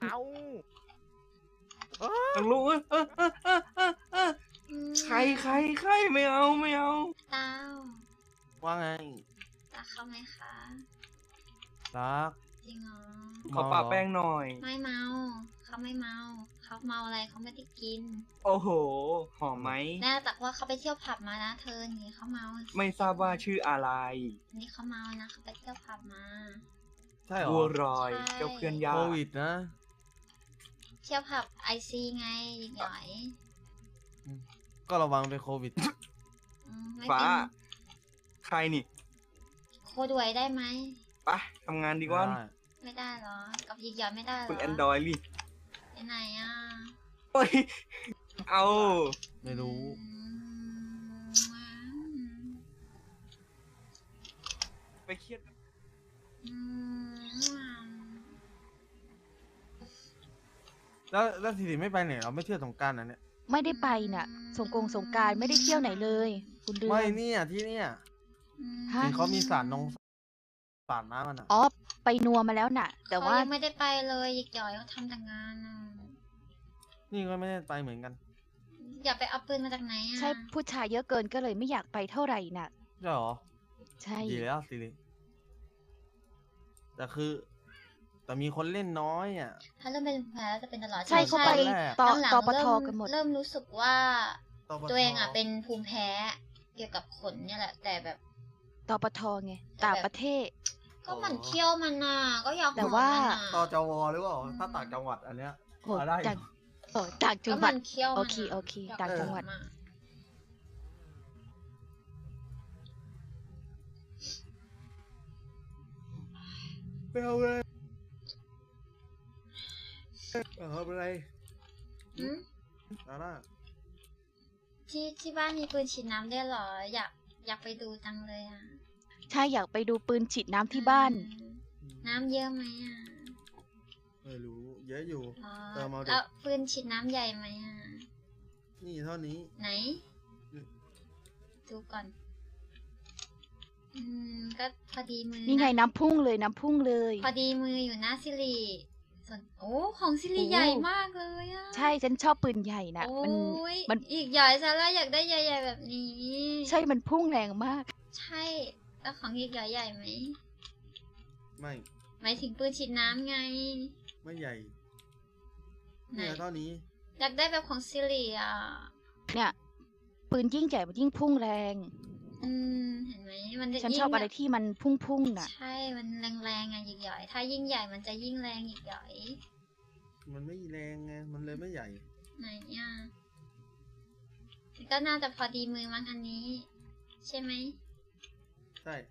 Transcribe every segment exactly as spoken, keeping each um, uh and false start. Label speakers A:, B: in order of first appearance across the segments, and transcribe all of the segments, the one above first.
A: เอา
B: ต้องรู้เออเออเออเออเออเออใครใครใครไม่เอาไม่เอา
C: เต้า
B: ว่าไง
C: รักเขาไหมคะ
A: รัก
C: จริงเหรอ
B: ขอปะแป้งหน่อย
C: ไม่เมาเขาไม่เมาเขาเมาอะไรเขาไม่ได้กิน
B: โอ้โหหอมไหม
C: แน่แต่ว่าเขาไปเที่ยวผับมานะเธอนี่เขาเมา
B: ไม่ทราบว่าชื่ออะไร
C: นี่เขาเมานะเขาไปเที่ยวผับมา
A: ใช่หรอ
B: บัวรอยเจ้าเพื่อนยา
A: โควิดนะ
C: เที่ยวผับไอซีไงยิงหน่อย
A: ก็ระวังเป็นโควิด
B: ฟ้าใครนี่
C: โคด้วยได้ไหม
B: ไปทำงานดีกว่า
C: ไม่ได้หรอกับยิงหยอดไม่ได้หรอ
B: คุณแอนดรอยลี่
C: ไปไหนอ่ะ
B: โอ้ยเอา
A: ไม่รู้
B: ไปเครียด
A: แล้วแล้วทีนี้ไม่ไปไหนเราไม่เที่ยวสงกรานต์นะเนี่ย
D: ไม่ได้ไปน่ะสงกงสงการไม่ได้เที่ยวไหนเลยคุณเดือน
A: ไม่เนี่ยที่เนี่ยที่เขามีสารนงสารน้ำมันอ่ะ
D: อ๋อไปนัวมาแล้วน่ะแต่ว่า
C: ไม่ได้ไปเลยยิกหยอยเขาทำแต่งานอ่ะ
A: นี่ก็ไม่ได้ไปเหมือนกัน
C: อย่าไปเอาปืนมาจากไหนอ่ะ
D: ใช่ผู้ชายเยอะเกินก็เลยไม่อยากไปเท่าไหร่น่ะ
A: ใช่หรอ
D: ใช่
A: ดีแล้วสิริแต่คือแต่มีคนเล่นน้อยอ่ะ
C: ถ้าเริ่มเป็นแผลจะเป็นตลอด
D: ใช่เขาไปต่อต่อปทกันหมด
C: เริ่มรู้สึกว่าตัวเองอ่ะเป็นภูมิแพ้เกี่ยวกับขนเนี่ยแหละแต่แบบ
D: ต่อปทไงต่างประเทศ
C: ก็มันเที่ยวมันน่ะก็อยาก
D: แต่ว่า
A: ต่อจวหรือเปล่าถ้าต่างจังหวัดอันเนี้ย
D: ได้เออต่างจังหวัดโอเคโอเคต่างจังหวัด
A: ไม่เอาเลยเอาอะไร
C: อืม
A: อะไร
C: ที่ที่บ้านมีปืนฉีดน้ำได้หรออยากอยากไปดูจังเลยอ่ะ
D: ใช่อยากไปดูปืนฉีดน้ำที่บ้าน
C: น้ำเยอะไหมอ่ะ
A: ไม่รู้เยอะอยู่
C: เติมเอาดิแล้วปืนฉีดน้ำใหญ่ไหมอ่ะ
A: นี่เท่านี้
C: ไหนดูก่อนอืมก็พอดีมือ
D: นี่ไงน้ำพุ่งเลยน้ำพุ่งเลย
C: พอดีมืออยู่นะซิริส่วนโอ้ของซิริใหญ่มากเลยอ่ะ
D: ใช่ฉันชอบปืนใหญ่นะมัน
C: มันอีกใหญ่ซะแล้วอยากได้ใหญ่ๆแบบนี้
D: ใช่มันพุ่งแรงมาก
C: ใช่แล้วของอีกใหญ่ใหญ่ไหม
A: ไม่
C: หมายถึงปืนฉีดน้ำไง
A: ไม่ใหญ่เนี่ยเท่านี้
C: อยากได้แบบของซิริอ่ะ
D: เนี่ยปืนยิ่งใหญ่มันยิ่งพุ่งแรง
C: อืมเห็นไหมมัน
D: ฉันชอบอะไรที่มันพุ่งๆน่ะ
C: ใช่มันแรงๆอ่ะยิกหย่อยถ้ายิ่งใหญ่มันจะยิ่งแรงยิกหย่อย
A: มันไม่แรงไงมันเลยไม่ใหญ่
C: ไหนอ่ะก็น่าจะพอดีมือมั้งอันนี้ใช่ไหม
A: ใช่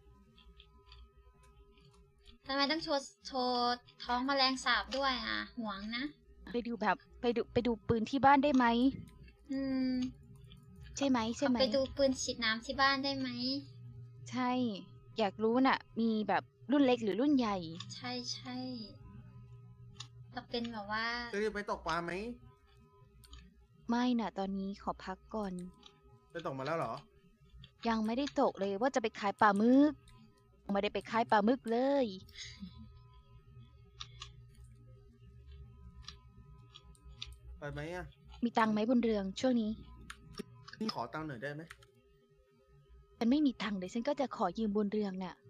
C: ทำไมต้องโชว์โชว์ท้องแมลงสาบด้วยอ่ะหวงนะ
D: ไปดูแบบไปดูไปดูปืนที่บ้านได้ไหม
C: อืม
D: ใช่ไหมใช่ไหม
C: ไปดูปืนฉีดน้ำที่บ้านได้ไหม
D: ใช่อยากรู้น่ะมีแบบรุ่นเล็กหรือรุ่นใหญ่
C: ใช่ใช่จะเป็นแบบว่า
A: จะไปตกปลาไหม
D: ไม่น่ะตอนนี้ขอพักก่อน
A: ไปตกมาแล้วเหรอ
D: ยังไม่ได้ตกเลยว่าจะไปขายปลาหมึกไม่ได้ไปขายปลาหมึกเลย
A: ไปไหมอ่ะ
D: มีตังค์ไหมบนเรืองช่วงนี้
A: นี่ขอตังค์หน่อยได้ไหม
D: ฉันไม่มีตังค์เลยฉันก็จะขอยืมบนเรืองน่ะ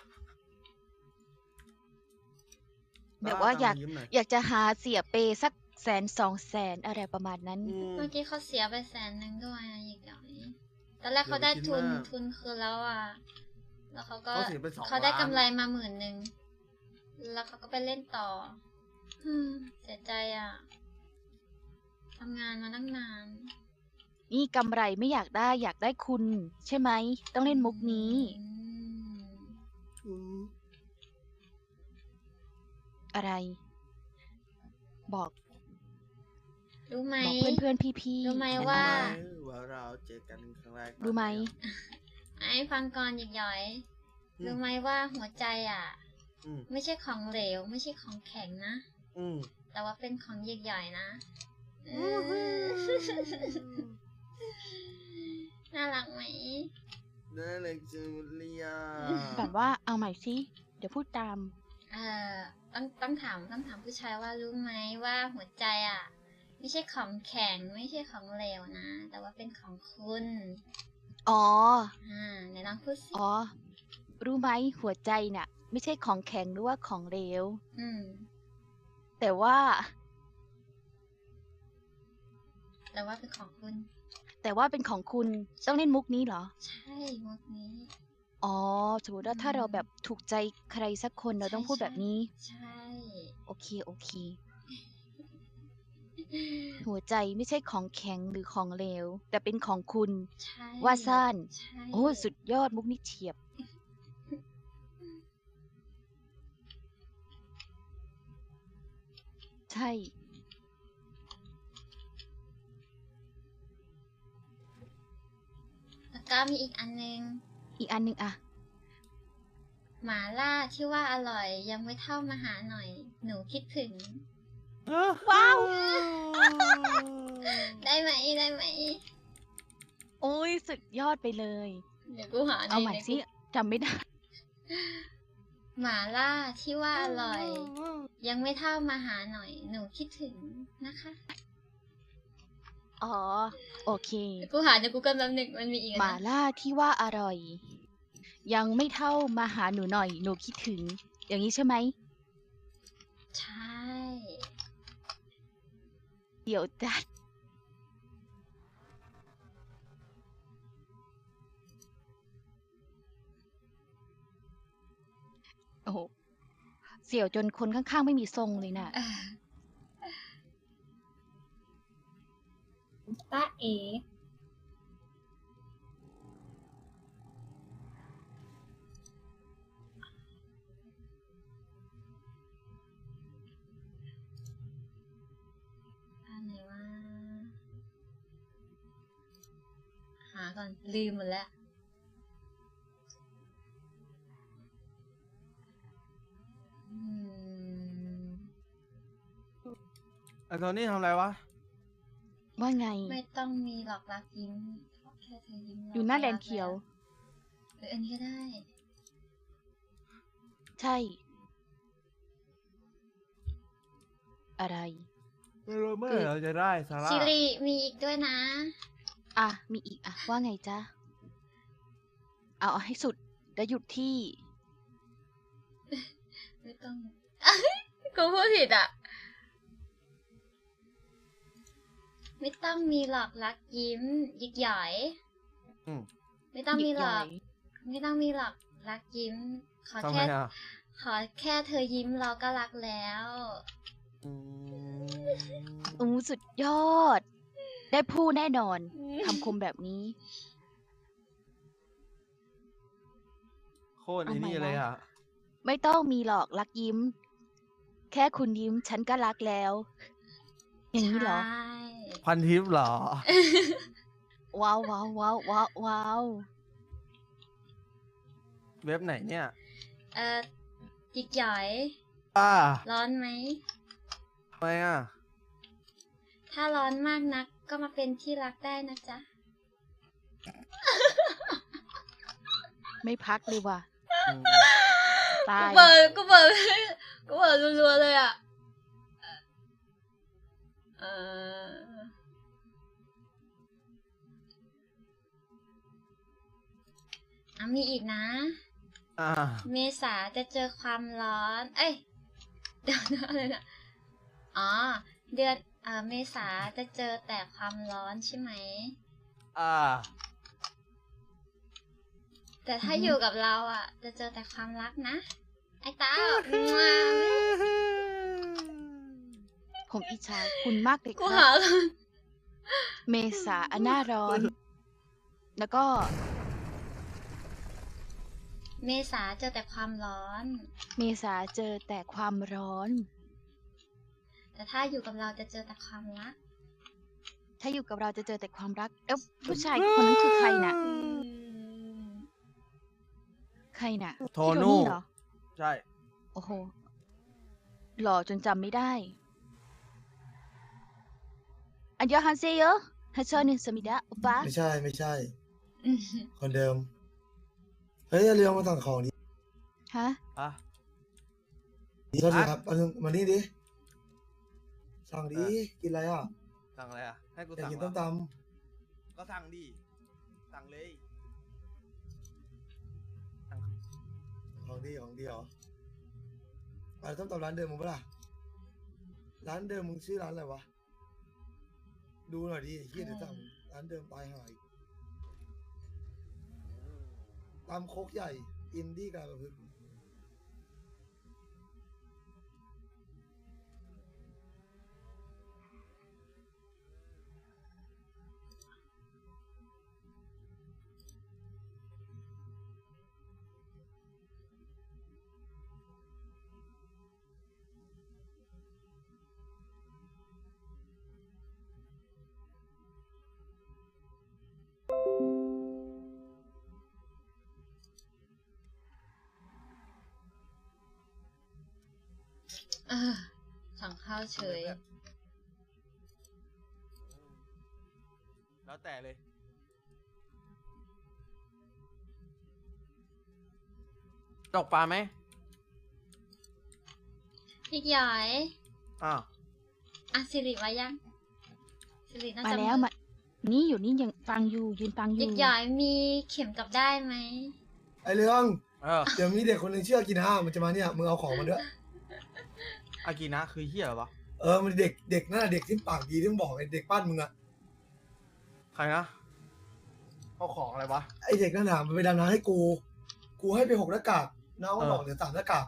D: แบบว่าอยากอยากจะหาเสียเปสักแสนสองแสนอะไรประมาณนั้น
C: เมื่อกี้เขาเสียไปแสนหนึ่งด้วยอีกอย่างนี้ตอนแรกเขาได้ทุนทุนคืนแล้วอ่ะแล้วเขาก็เขาได้กำไรมาหมื่นหนึ่งแล้วเขาก็ไปเล่นต่อเสียใจอ่ะทำงานมาตั้งนาน
D: นี่กำไรไม่อยากได้อยากได้คุณใช่ไหมต้องเล่นมุกนี้อะไรบอก
C: รู้ไหม
D: บอกเพื่อนเพื่อนพี่พี่
C: รู้ไหมว่า
A: ว่าเราเจอกันครั้งแรก
D: รู้ไหม
C: ไอ้ฟังก่อนหยิกหย่อยรู้ไหมว่าหัวใจอ่ะไม่ใช่ของเหลวไม่ใช่ของแข็งนะแต่ว่าเป็นของหยิกหย่อยนะน่ารักไหม
A: น่ารักจังเลยอ่ะ
D: แบบว่าเอาใหม่สิเดี๋ยวพูดตาม
C: เอ่อต้องต้องถามต้องถามผู้ชายว่ารู้ไหมว่าหัวใจอ่ะ ไม่ใช่ของแข็งไม่ใช่ของเหลวนะ แต่ว่าเป็นของคุณ
D: อ๋อ
C: อ่าไหนลองพูดสิ
D: อ๋อ รู้ไหมหัวใจน่ะ ไม่ใช่ของแข็งหรือว่าของเหลว
C: อืม
D: แต่ว่า
C: แต่ว่าเป็นของคุณ
D: แต่ว่าเป็นของคุณต้องเล่นมุกนี้เหรอ
C: ใช่มุกนี้
D: อ๋อ สมมติว่าถ้าเราแบบถูกใจใครสักคนเราต้องพูดแบบนี้
C: ใช่
D: โอเค โอเค หัวใจไม่ใช่ของแข็งหรือของเหลว แต่เป็นของคุณ
C: ใช่
D: ว่าซ่าน
C: ใช่
D: โอ้สุดยอดมุกนี้เฉียบ ใช่
C: แล้วก็มีอีกอันนึง
D: อีกอันหนึ่งอะ
C: หมาล่าที่ว่าอร่อยยังไม่เท่ามาหาหน่อย หนูคิดถึง
D: ว้าว
C: ได้ไหมได้ไหม
D: โอ้ยสุดยอดไปเลย
C: เดี๋ยวกูหา
D: เอาใหม่
C: ใน
D: สิจำไม่ได้
C: หมาล่าที่ว่าอร่อย ยังไม่เท่ามาหาหน่อย หนูคิดถึงนะคะ
D: อ๋อ โอเค
C: เดี๋ยวกูหาในกูเกิลแป๊บหนึงมันมีอีก
D: หมา
C: นะ
D: ล่าที่ว่าอร่อย ยังไม่เท่ามาหาหนูหน่อย หนูคิดถึง อย่างนี้ใช่ไหม
C: ใช่
D: เดี๋ยวจัด โอ้โห เสี่ยวจนคนข้างๆไม่มีทรงเลยน่ะ
C: ตาเออันไหนวะหาก่อน ลืมหมดแล้ว อืม
A: ไอ้โทนี่ทำอะไรวะ
D: ว่าไง
C: ไม่ต้องมีหลอกรักยิ้มแค่เธอยิ้มเร
D: อยู่หน้า
C: ก็
D: แล
C: รั
D: น
C: ก
D: เขียว
C: หรืออันนี้ก็ได้
D: ใช่ อะไร
A: ไม่รู้เมื่อไหร่เราจะได้ซาร่า
C: ซิริมีอีกด้วยนะ
D: อ่ะ มีอีกอ่ะ ว่าไงจ๊ะ เอาเอาให้สุด แล้วหยุดที่
C: ไม่ต้อง กูพูดผิดอ่ะ ไม่ต้องมีหลอกรักยิ้มยิกหย่อย
A: อืม
C: ไม่ต้องมีหลอก
D: ยิกหย่อย
C: ไม่ต้องมีหลอกรักยิ้ม ขอ
A: ทำไม
C: แค่
A: อ่ะ
C: ขอแค่เธอยิ้มเราก็รักแล้ว
A: อืม
D: อู้สุดยอด ได้พูดแน่นอน คำคมแบบนี้
A: โคตรไอ้นี่เลยอ่ะ
D: ไม่ต้องมีหรอกรักยิ้ม แค่คุณยิ้มฉันก็รักแล้ว อย่างนี้เหรอ
C: ใช่
A: พันทิปเหรอ
D: ว้าวว้าวว้าวว้าวว้าว
A: เว็บไหนเนี่ย
C: เอ่อยิกหย่อย
A: ป้า
C: ร้อนไหม
A: ทำไมอ่ะ
C: ถ้าร้อนมากนักก็มาเป็นที่รักได้นะจ๊ะ
D: ไม่พักเลยว่ะ
A: อืม
D: ตา
C: กู
D: ย
C: เปิดกูเปิดกูเปิดรัวๆเลยอ่ะ เอออ่ะมีอีกนะ
A: อ่า
C: เมษาจะเจอความร้อน เอ้ย เดี๋ยวนะอะไรนะอ๋อ เดือนเอ่อเมษาจะเจอแต่ความร้อนใช่ไหม
A: อ่า
C: แต่ถ้าอยู่กับเราอ่ะ จะเจอแต่ความรักนะ ไอ้เต้ามา
D: ผมอิจฉาคุณมากเลย
C: กู
D: ค
C: หา
D: รับ เมษาอันหน้าร้อน แล้วก็
C: เมษาเจอแต่ความร้อน
D: เมษาเจอแต่ความร้อน
C: แต่ถ้าอยู่กับเราจะเจอแต่ความรัก
D: ถ้าอยู่กับเราจะเจอแต่ความรัก เอ้าผู้ชายคนนั้นคือใครน่ะ ใครน่ะ
A: โท
D: พี่
A: นู่
D: เหรอ
A: ใช่
D: โอ้โห หล่อจนจำไม่ได้ อันยอฮันเซโยฮัชชอนิสมิดะอุปะ
E: ไม่ใช่ไม่ใช่ คนเดิม เฮ้ยอย่าลืมมาสั่งของดิ
D: ฮะ
A: อ่ะ
E: ดีก็ดีครับเอามานี่ดิสั่งดิกินอะไรอ่ะ
A: สั่งอะไรอ่ะให้กู
E: อยาก
A: สั่ง
E: กิน
A: เหร
E: ต้
A: อ
E: มต
A: ก็สั่งดิสั่งเลยสั่ง
E: ำของดีของดีเหรออะไรต้มตำร้านเดิมมึงปะล่ะร้านเดิมมึงชื่อร้านอะไรวะดูหน่อยดิเฮียเดี๋ยวสั่งร้านเดิมตายหายตามโคกใหญ่อินดี้การประพฤติ
C: เออสั่งข้าวเฉย
A: แล้วแต่เลยตกปลาไหม
C: พี่หยอย
A: อ้าว
C: อ่ะสิริมายังสิริน่า
D: มา
C: จะ
D: แล้วมานี่อยู่นี่ยังฟังอยู่ยืนฟังอ
C: พี่
D: ยู่
C: หยอยมีเข็มกลับได้ไหม
E: ไอเรื่อง
A: เออ
E: เดี๋ยวมีเด็กคนหนึ่งชื่ออากินะมันจะมาเนี่ยมึงเอาของมันด้วย
A: อากินะคือเฮียเหรอวะ
E: เออมันเด็กเด็กนั่นนะเด็กที่ปากดีที่มึงบอกไอเด็กบ้านมึงอะ
A: ใครนะเอาของอะไรวะ
E: ไอเด็กนั่นน่ะมันไปดำน้ำให้กู กูให้ไปหกหน้ากากน้องก็บอกเหลือสามหน้ากาก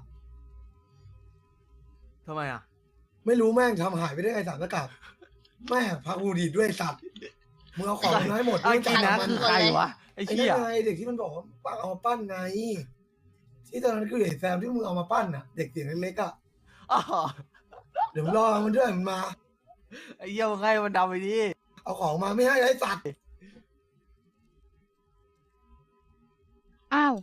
A: ทำไมอ่ะ
E: ไม่รู้แม่งทำหายไปได้ไงสามหน้ากากแม่งพักกูดีดด้วยสัตว์มึงเอาของมาให้หมด
A: อา
E: ไม่จ่า
A: กิ
E: ย
A: นะ
E: มัน
A: คือใครวะไอ้
E: ไอ้
A: เหี้
E: นั่
A: ย
E: นไงเด็กที่มันบอกว่าปั้นเอามาปั้นไง ที่ตอนนั้นคือเด็กแซมที่มึงเอามาปั้นน่ะ เด็กเสียงเล็กๆอ่ะ
A: อ๋อ
E: เดี๋ยวมึงรอมันด้วยมันมา
A: ไอ้เหี้ยมึงให้มันดำไปดิ
E: เอาของมาไม่ให้ไอ้สัตว์
D: อ้าว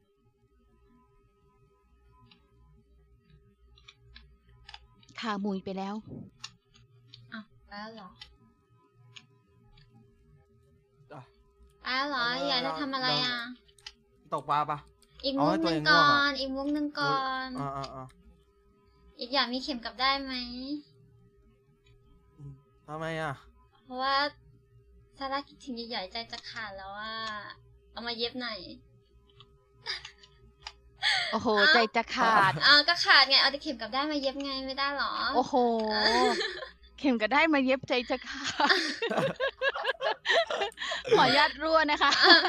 D: ขาหมุยไปแล้ว
C: อ้าวไปแล้วเหรอ
A: อ่ะ
C: ไปแล้วเหรอหยอยจะทำอะไรอ่ะ
A: ตกปลาปะ
C: อีก
A: เอา
C: มุ
A: ให้
C: กห
A: ตัว
C: นึ่ง
A: เองง่
C: ก่
A: ว
C: อง
A: อ่ะ
C: น อีกมุกหนึ่งก่อน
A: อ่าอ่าอ่า
C: อีกอย่างมีเข็มกลับได้ไหม
A: ทำไมอ่ะ
C: เพราะว่าซาร่าคิดถึงหยอยๆใจจะขาดแล้วว่า เอามาเย็บหน่อย
D: โอ้โห ใจจะขาด
C: อ่าก็ขาดไง เอาแต่เข็มกลับได้มาเย็บไงไม่ได้หรอ
D: โอ้โห เข็มก็ได้มาเย็บใจจะขาด ขออนุญาตรั่วนะคะ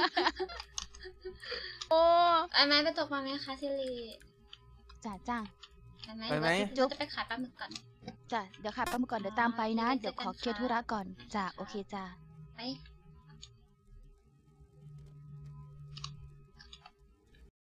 D: โอ้
C: ไปไหมไปตกมาไหมคะซิริ
D: จ้าจ้า
C: ไปไหม
A: ไปไหม
C: หรือว่าจะไปขายปลาหมึกก่อน
D: จ้าเดี๋ยวค่ะป้ามาก่อนเดี๋ยวตามไปนะ
C: อ๋อ
D: เดี๋ยวขอ
C: เจอกัน
D: เคลียร์ธุระ
C: ค่ะ
D: ก่อนจ้าโอเคจ้า
C: ไป